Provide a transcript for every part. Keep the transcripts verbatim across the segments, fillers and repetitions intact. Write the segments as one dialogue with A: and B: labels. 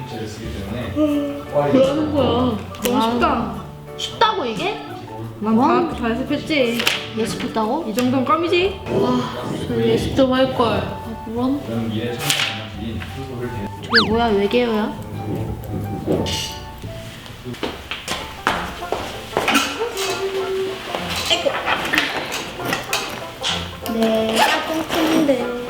A: 기체를 쓰기 때문에
B: 뭐라는 거야? 너무 쉽다.
C: 쉽다고 이게?
B: 난 다 잘 연습했지.
C: 예습했다고?
B: 이 정도는 껌이지.
C: 저 예습 좀 할걸. 아, 뭐람?
A: 연기에 참여한 방식인 후속을 대
C: 저게 뭐야? 외계어야? 내가 똥큰데.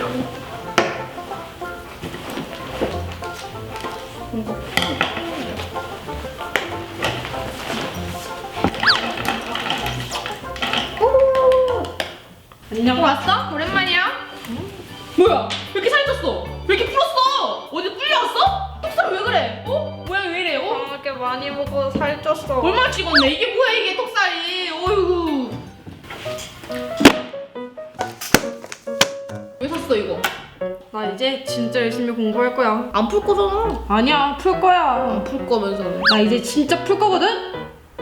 B: 안녕. 왔어? 오랜만이야. 뭐야? 왜 이렇게 살이 쪘어? 왜 이렇게 불었어? 어디 불려왔어? 톡살 왜 그래? 어? 모양이 왜 이래? 어?
D: 이렇게 많이 먹어서 살쪘어.
B: 얼마나 찍었네? 이게 뭐야 이게 톡살이? 어이구. 왜 샀어 이거? 나 이제 진짜 열심히 공부할 거야.
C: 안 풀 거잖아.
B: 아니야, 풀 거야.
C: 안 풀 거면서.
B: 나 이제 진짜 풀 거거든?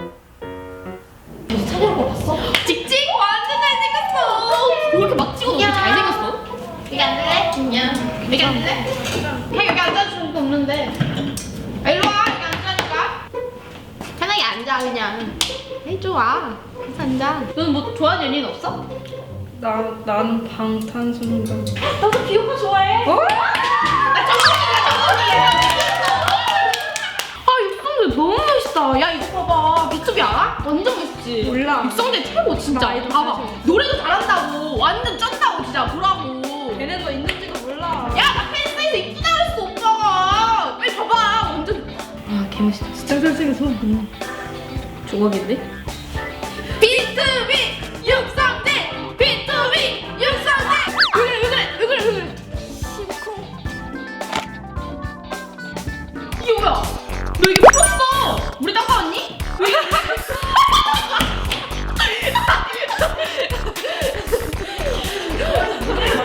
C: 너 찾아올 거 봤어?
B: 찍찍! 완전 잘생겼어! 왜 이렇게 막 찍어도 이렇게 잘생겼어?
C: 여기 앉을래? 안녕.
B: 여기 앉을래? 형 여기 앉아주는 거 없는데. 아, 일로 와, 여기 앉으라니까.
C: 편하게 앉아 그냥. 에이 좋아. 그래서 앉아.
B: 너는 뭐 좋아하는 연예인 없어?
D: 나 나는 방탄소년단.
B: 나도 비오가 좋아해. 어? 나 정국이야, 정국이야. 아, 육성재 너무 멋있다. 야, 이거 봐봐. 비투비 알아? 완전 멋있지?
D: 몰라.
B: 육성재 최고, 진짜.
D: 나 아이돌
B: 봐봐.
D: 사실.
B: 노래도 잘한다고. 완전 쩐다고, 진짜. 보라고.
D: 걔네 거 있는지도 몰라.
B: 야, 나 팬사에서 이쁘다 그랬어, 오빠가. 빨리 봐봐. 완전. 아, 개멋있다.
D: 진짜 잘생겼어.
B: 조각인데? 비투비 육성재! 비투비 육성재! 왜 그래, 왜 그래, 왜 그래, 왜 그래. 이게 뭐야? 너 이거 풀었어! 우리 닦아왔니? 왜 이렇게